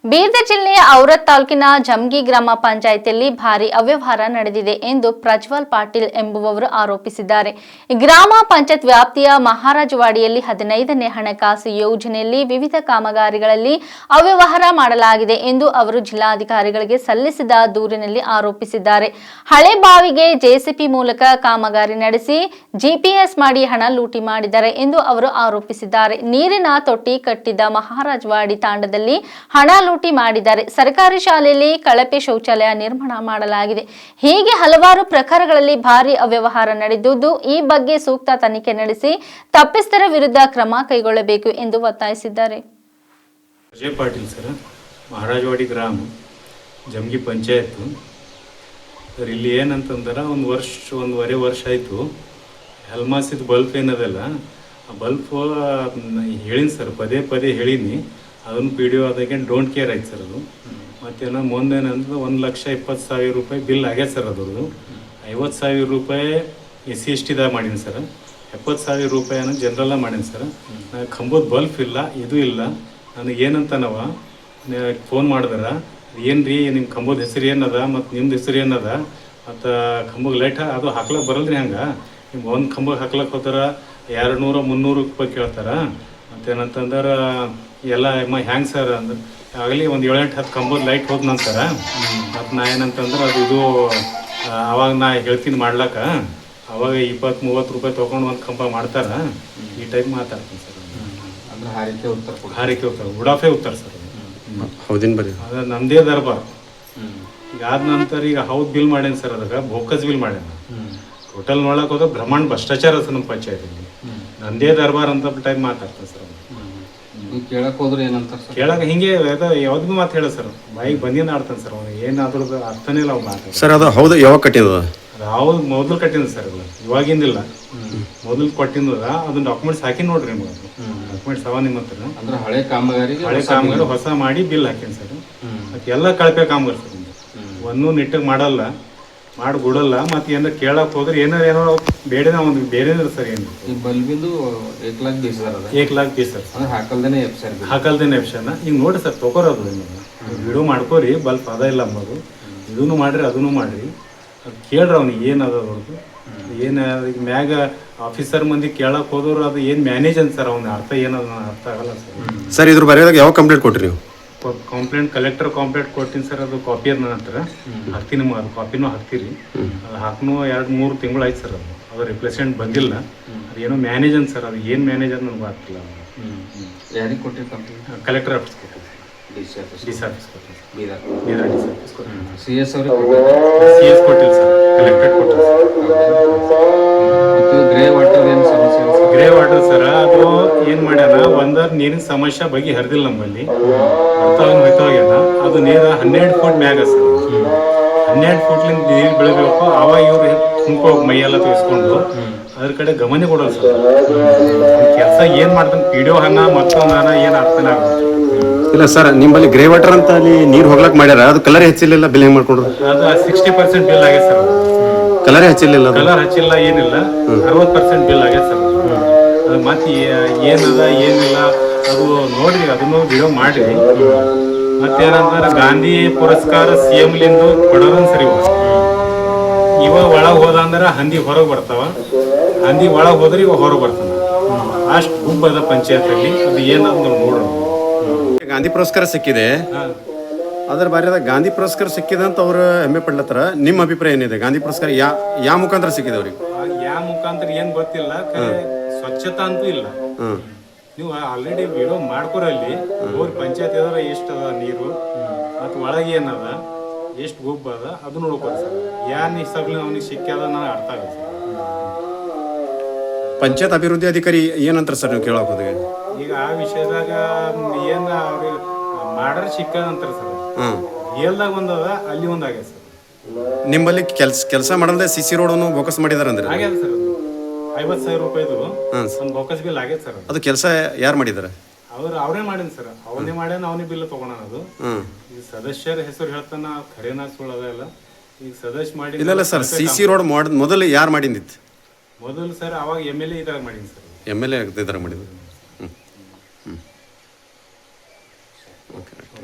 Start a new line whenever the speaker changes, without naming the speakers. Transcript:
ಬೀದರ್ ಜಿಲ್ಲೆಯ ಔರತ್ ತಾಲೂಕಿನ ಜಮಗಿ ಗ್ರಾಮ ಪಂಚಾಯಿತಿಯಲ್ಲಿ ಭಾರಿ ಅವ್ಯವಹಾರ ನಡೆದಿದೆ ಎಂದು ಪ್ರಜ್ವಲ್ ಪಾಟೀಲ್ ಎಂಬುವವರು ಆರೋಪಿಸಿದ್ದಾರೆ. ಗ್ರಾಮ ಪಂಚಾಯತ್ ವ್ಯಾಪ್ತಿಯ ಮಹಾರಾಜವಾಡಿಯಲ್ಲಿ 15ನೇ ಹಣಕಾಸು ಯೋಜನೆಯಲ್ಲಿ ವಿವಿಧ ಕಾಮಗಾರಿಗಳಲ್ಲಿ ಅವ್ಯವಹಾರ ಮಾಡಲಾಗಿದೆ ಎಂದು ಅವರು ಜಿಲ್ಲಾಧಿಕಾರಿಗಳಿಗೆ ಸಲ್ಲಿಸಿದ ದೂರಿನಲ್ಲಿ ಆರೋಪಿಸಿದ್ದಾರೆ. ಹಳೆ ಬಾವಿಗೆ ಜೆಸಿಬಿ ಮೂಲಕ ಕಾಮಗಾರಿ ನಡೆಸಿ ಜಿಪಿಎಸ್ ಮಾಡಿ ಹಣ ಲೂಟಿ ಮಾಡಿದ್ದಾರೆ ಎಂದು ಅವರು ಆರೋಪಿಸಿದ್ದಾರೆ. ನೀರಿನ ತೊಟ್ಟಿ ಕಟ್ಟಿದ್ದ ಮಹಾರಾಜವಾಡಿ ತಾಂಡದಲ್ಲಿ ಹಣ ಲೂಟಿ ಮಾಡಿದ್ದಾರೆ. ಸರ್ಕಾರಿ ಶಾಲೆಯಲ್ಲಿ ಕಳಪೆ ಶೌಚಾಲಯ ನಿರ್ಮಾಣ ಮಾಡಲಾಗಿದೆ. ಹೀಗೆ ಹಲವಾರು ಪ್ರಕರಣಗಳಲ್ಲಿ ಭಾರಿ ಅವ್ಯವಹಾರ ನಡೆದಿದ್ದು, ಈ ಬಗ್ಗೆ ಸೂಕ್ತ ತನಿಖೆ ನಡೆಸಿ ತಪ್ಪಿಸ್ಥರ ವಿರುದ್ಧ ಕ್ರಮ ಕೈಗೊಳ್ಳಬೇಕು ಎಂದು ಒತ್ತಾಯಿಸಿದ್ದಾರೆ.
ಪ್ರಜ್ವಲ್ ಪಾಟೀಲ್ ಸರ್, ಮಹಾರಾಜವಾಡಿ ಗ್ರಾಮ ಜಮಗಿ ಪಂಚಾಯತ್ ಸರ್. ಇಲ್ಲಿ ಏನಂತಂದ್ರೆ ಒಂದೂವರೆ ವರ್ಷ ಆಯಿತು. ಹೆಲ್ಮಾಸಿದ ಬಲ್ಪ್ ಏನದಲ್ಲ, ಆ ಬಲ್ಪ್ ಹೇಳಿನಿ ಸರ್, ಪದೇ ಪದೇ ಹೇಳಿನಿ. ಅದನ್ನು PDO ಅದಕ್ಕೆ ಡೋಂಟ್ ಕೇರ್ ಆಯ್ತು ಸರ್. ಅದು ಮತ್ತೇನೋ ಮುಂದೇನಂದ್ರೆ 1,20,000 ರೂಪಾಯಿ ಬಿಲ್ ಆಗ್ಯದ ಸರ್. ಅದ್ರದ್ದು 50,000 ರೂಪಾಯಿ SC/ST ಮಾಡೀನಿ ಸರ್. 70,000 ರೂಪಾಯಿನ ಜನರಲ್ಲ ಮಾಡೀನಿ ಸರ್. ನನಗೆ ಕಂಬದ ಬಲ್ಪ್ ಇಲ್ಲ, ಇದು ಇಲ್ಲ. ನನಗೇನಂತನವ ಫೋನ್ ಮಾಡಿದ್ರೆ, ಏನು ರೀ ನಿಮ್ಮ ಕಂಬದ ಹೆಸರು ಏನದ ಮತ್ತು ನಿಮ್ದು ಹೆಸರು ಏನದ ಮತ್ತು ಕಂಬಗೆ ಲೈಟ್ ಅದು ಹಾಕ್ಲಕ್ಕೆ ಬರಲ್ರಿ. ಹಂಗೆ ನಿಮ್ಗೆ ಒಂದು ಕಂಬಕ್ಕೆ ಹಾಕ್ಲಕ್ಕೆ ಹೋದ್ರೆ 200-300 ರೂಪಾಯಿ ಕೇಳ್ತಾರೆ. ಮತ್ತೇನಂತಂದ್ರೆ ಎಲ್ಲ ಹ್ಯಾಂಗೆ ಸರ್ ಅಂದ್ರೆ ಆಗಲಿ ಒಂದು 7-8 ಕಂಬದ ಲೈಟ್ ಹೋದ ನಂತರ ಮತ್ತು ನಾ ಏನಂತಂದ್ರೆ ಅದು ಇದು ಅವಾಗ ನಾ ಹೇಳ್ತೀನಿ ಮಾಡ್ಲಕ್ಕ, ಅವಾಗ 20-30 ರೂಪಾಯಿ ತೊಗೊಂಡು ಒಂದು ಕಂಬ ಮಾಡ್ತಾರೆ. ಈ ಟೈಪ್ ಮಾತಾಡ್ತೀನಿ ಸರ್.
ಅಂದ್ರೆ ಹಾರಿಕೆ ಉತ್ತರ
ಉಡಾಫೆ ಉತ್ತರ ಸರ್.
ಹೌದಿನ ಬರೀ
ಅದು ನಮ್ಮದೇ ದರ್ಬಾರ್. ಈಗ ಆದ ನಂತರ ಈಗ ಹೌದು ಬಿಲ್ ಮಾಡೇನಿ ಸರ್. ಅದಕ್ಕೆ ಬೋಕಸ್ ಬಿಲ್ ಮಾಡ್ಯಾನ. ಟೋಟಲ್ ನೋಡಕ್ಕೆ ಹೋದ್ರೆ ಬ್ರಹ್ಮಾಂಡ ಭ್ರಷ್ಟಾಚಾರ ಸರ್ ನಮ್ಮ ಪಂಚಾಯತಿಗೆ. ನಂದೇ ದರ್ಬಾರ್ ಅಂತ ಟೈಪ್ ಮಾತಾಡ್ತಾರೆ ಸರ್.
ಕೇಳಕ್ ಹೋದ್ರೆ ಏನಂತಾರೆ ಸರ್?
ಕೇಳಕ್ಕೆ ಹಿಂಗೆ ಯಾವ್ದು ಮಾತು ಹೇಳ ಸರ್, ಬಾಯಿಗೆ ಬಂದಿನ ಆಡ್ತಾನೆ ಸರ್. ಅವ್ನು ಏನಾದ್ರೂ ಅರ್ಥನೇ ಇಲ್ಲ ಅವ್ನು ಮಾತು
ಸರ್. ಅದು ಹೌದು, ಯಾವಾಗ ಕಟ್ಟಿದ?
ಅದು ಹೌದು ಮೊದಲು ಕಟ್ಟಿದ ಸರ್. ಅದು ಇವಾಗಿಂದಿಲ್ಲ, ಮೊದಲು ಕೊಟ್ಟಿಂದ. ಅದನ್ನ ಡಾಕ್ಯುಮೆಂಟ್ಸ್ ಹಾಕಿ ನೋಡ್ರಿ ನಿಮ್ಗೆ. ಡಾಕ್ಯುಮೆಂಟ್ಸ್ ಅವ ನಿಮ್ಮ ಹತ್ರ.
ಅಂದ್ರೆ ಹಳೆ ಕಾಮಗಾರಿ
ಹೊಸ ಮಾಡಿ ಬಿಲ್ ಹಾಕೀನಿ ಸರ್. ಮತ್ತೆ ಎಲ್ಲ ಕಳಪೆ ಕಾಮಗಾರಿ ಸರ್. ಒಂದೂ ನಿಟ್ಟಿಗೆ ಮಾಡಲ್ಲ, ಮಾಡಿಬಿಡಲ್ಲ. ಮತ್ತೆ ಏನಾರ ಕೇಳಕ್ಕೆ ಹೋದ್ರೆ ಏನೋ ಬೇಡ ಒಂದು ಬೇರೆ ಸರ್. ಏನು
ಬಲ್ಬಿಂದು 1,20,000
1,20,000 ಸರ್.
ಅಂದ್ರೆ ಹಾಕಲ್ದೇನೆ ಎಪ್ಷನ್.
ಈಗ ನೋಡಿ ಸರ್, ತೊಗೊರೋದು ವಿಡಿಯೋ ಮಾಡ್ಕೋರಿ. ಬಲ್ಪ್ ಅದ ಇಲ್ಲ ಅಂಬೋದು, ಇದನ್ನು ಮಾಡ್ರಿ ಅದನ್ನು ಮಾಡ್ರಿ. ಅದು ಕೇಳ್ರಿ ಅವ್ನಿಗೆ ಏನದ ಅವ್ರದ್ದು ಏನು. ಈಗ ಮ್ಯಾಗ ಆಫೀಸರ್ ಮಂದಿ ಕೇಳಕ್ಕೆ ಹೋದವ್ರು ಅದು ಏನು ಮ್ಯಾನೇಜ್ ಅಂತ ಸರ್. ಅವ್ನ ಅರ್ಥ ಏನದ ಅರ್ಥ ಆಗಲ್ಲ ಸರ್.
ಸರ್ ಇದ್ರ ಬರೆಯೋದಾಗ ಯಾವ ಕಂಪ್ಲೇಂಟ್ ಕೊಟ್ರಿ ನೀವು?
ಕಂಪ್ಲೇಂಟ್ ಕಲೆಕ್ಟರ್ ಕಂಪ್ಲೇಂಟ್ ಕೊಡ್ತೀನಿ ಸರ್. ಅದು ಕಾಪಿ ಅದ ನನ್ನ ಹತ್ರ ಹಾಕ್ತೀನಿ. ಅದು ಕಾಪಿನೂ ಹಾಕ್ತೀರಿ. ಅದು ಹಾಕ್ನೂ 2-3 ತಿಂಗಳು ಆಯ್ತು ಸರ್. ಅದು ರಿಪ್ಲೇಸ್ಮೆಂಟ್ ಬಂದಿಲ್ಲ. ಅದು ಏನೋ ಮ್ಯಾನೇಜ್ ಅಂತ ಸರ್. ಅದು ಏನು ಮ್ಯಾನೇಜ್ ಅಂತ ನನಗೆ ಗೊತ್ತಿಲ್ಲ.
ಯಾರಿಗೆ ಕೊಟ್ಟಿರಿ ಕಂಪ್ಲೇಂಟ್?
ಕಲೆಕ್ಟರ್ ಆಫೀಸ್ ಕೊಟ್ಟಿರಿ. DC ಆಫೀಸ್ ಕೊಟ್ಟಿರಿ. ಬೀದರ್ DC ಆಫೀಸ್ ಕೊಟ್ಟಿರಿ.
CS ಅವ್ರಿಗೆ
CS ಕೊಟ್ಟಿಲ್ಲ ಸರ್, ಕಲೆಕ್ಟರೇಟ್ ಕೊಟ್ಟಿರಿ.
ಗ್ರೇ ವಾಟರ್ ಏನು ಸಮಸ್ಯೆ?
ಗ್ರೇ ವಾಟರ್ ಸರ್, ಅದು ಏನು ಮಾಡ್ಯಾನ, ಒಂದರ ನೀರಿನ ಸಮಸ್ಯೆ ಬಗ್ಗೆ ಹರಿದಿಲ್ಲ ನಮ್ಮಲ್ಲಿ. ಹೋಗ್ಯಾನ. ಅದು ನೀರು 12 ಫೂಟ್ ಮ್ಯಾಗ ಸರ್. 12 ಫೂಟ್ಲಿಂದ ನೀರು ಬೆಳಿಬೇಕು. ಆವಾಗ ಇವ್ರು ತುಂಬ್ಕೋಬೇಕು, ಮೈಯೆಲ್ಲ ತೆಗೆಸ್ಕೊಂಡು. ಅದ್ರ ಕಡೆ ಗಮನ ಕೊಡೋಲ್ಲ ಸರ್. ಕೆಲಸ ಏನು ಮಾಡ್ತಾನೆ PDO ಹಣ ಮತ್ತೊಂದು ಹಣ ಏನು ಅರ್ಥನೇ ಆಗುತ್ತೆ
ಇಲ್ಲ ಸರ್. ನಿಮ್ಮಲ್ಲಿ ಗ್ರೇ ವಾಟರ್ ಅಂತ ಅಲ್ಲಿ ನೀರು ಹೋಗ್ಲಕ್ ಮಾಡ್ಯಾರ, ಅದು ಕಲರ್ ಹೆಚ್ಚಿಲ್ಲ. ಬಿಲ್ ಹೆಂಗ್ ಮಾಡ್ಕೊಂಡ್ರು?
ಅದು 60% ಬಿಲ್ ಆಗ್ಯದ ಸರ್.
ಕಲರ್ ಹಚ್ಚಿಲ್ಲ.
ಕಲರ್ ಹಚ್ಚಿಲ್ಲ, ಏನಿಲ್ಲ. 60% ಬಿಲ್ ಆಗ್ಯದ ಸರ್. ಅದು ಮತ್ತೆ ಏನದ ಏನಿಲ್ಲ ಅದು ನೋಡ್ರಿ, ಅದನ್ನು ವಿಡಿಯೋ ಮಾಡ್ರಿ. ಮತ್ತೇನಂದ್ರೆ ಗಾಂಧಿ ಪುರಸ್ಕಾರ CM ಲಿಂದು ಕೊಡೋದನ್ ಸರಿ. ಇವ ಒಳಗೆ ಹೋದ ಅಂದ್ರೆ ಹಂದಿ ಹೊರಗೆ ಬರ್ತಾವ, ಹಂದಿ ಒಳಗೆ ಹೋದ್ರೆ ಇವ ಹೊರಗೆ ಬರ್ತಾನ. ಅಷ್ಟು ಗುಂಪದ ಪಂಚಾಯತಲ್ಲಿ. ಅದು ಏನಂತ ನೋಡೋಣ.
ಗಾಂಧಿ ಪುರಸ್ಕಾರ ಸಿಕ್ಕಿದೆ. ಅದ್ರ ಬಾರಿಯಾದ ಗಾಂಧಿ ಪುರಸ್ಕಾರ ಸಿಕ್ಕಿದೆ ಅಂತ ಅವ್ರು ಹೆಮ್ಮೆ ಪಡ್ಲತ್ತಾರ. ನಿಮ್ಮ ಅಭಿಪ್ರಾಯ ಏನಿದೆ? ಗಾಂಧಿ ಪುರಸ್ಕಾರ ಯಾವ ಮುಖಾಂತರ ಸಿಕ್ಕಿದೆ ಅವ್ರಿಗೆ?
ಯಾವ ಮುಖಾಂತರ ಏನ್ ಗೊತ್ತಿಲ್ಲ. ಸ್ವಚ್ಛತಾ ಅಂತೂ ಇಲ್ಲ. ನೀವು ಆಲ್ರೆಡಿ ವಿಡಿಯೋ ಮಾಡ್ಕೊರಲ್ಲಿ ಹೋಗಿ ಪಂಚಾಯತ್ ಅದ ಎಷ್ಟು ಅದ ನೀರು ಮತ್ತು ಒಳಗೆ ಏನದ ಎಷ್ಟು ಗುಬ್ಬ ಅದ ಅದು ನೋಡ್ಕೊರಿ ಸರ್. ಯಾರು ಸಗ್ಲಿ ಅವ್ನಿಗೆ ಸಿಕ್ಕ್ಯದ ನನಗೆ ಅರ್ಥ ಆಗಲ್ಲ ಸರ್.
ಪಂಚಾಯತ್ ಅಭಿವೃದ್ಧಿ ಅಧಿಕಾರಿ ಏನಂತಾರೆ ಸರ್ ನೀವು ಕೇಳಕ್ ಹೋದಾಗ?
ಈಗ ಆ ವಿಷಯದಾಗ ಏನು ಅವ್ರಿಗೆ ಮಾಡರ್ ಸಿಕ್ಕದ ಅಂತಾರೆ ಸರ್. ಏಲ್ದಾಗ ಒಂದದ, ಅಲ್ಲಿ ಒಂದಾಗ್ಯದ ಸರ್.
ನಿಮ್ಮಲ್ಲಿ ಕೆಲಸ ಮಾಡಲ್ದೆ CC ರೋಡನ್ನು ಬೋಕಸ್ ಮಾಡಿದಾರೆ ಅಂದ್ರೆ?
ಆಗ್ಯದ ಸರ್. 50,000 ರೂಪಾಯಿದು ಒಂದು ಬೋಕಸ್ ಬಿಲ್ ಆಗೈತೆ ಸರ್.
ಅದು ಕೆಲಸ ಯಾರು ಮಾಡಿದಾರೆ?
ಅವ್ರೇ ಮಾಡಿನ ಸರ್. ಅವನೇ ಮಾಡ್ಯಾನ, ಅವನೇ ಬಿಲ್ ತಗೋಣ. ಅದು ಈಗ ಸದಸ್ಯರ ಹೆಸರು ಹೇಳ್ತಾನ, ಖರೇನಾ ಸುಳ್ಳದ ಇಲ್ಲ. ಈಗ ಸದಸ್ಯ ಮಾಡಿ
ಇಲ್ಲ ಸರ್. CC ರೋಡ್ ಮೊದಲು ಯಾರು ಮಾಡಿದ್ದಿತ್ತು?
ಮೊದಲು ಸರ್ ಅವಾಗ MLA ಇದ್ರಾಗ ಮಾಡೀನಿ ಸರ್.
MLA ಇದ್ರಾಗ ಮಾಡಿದ್ರು. ಓಕೆ.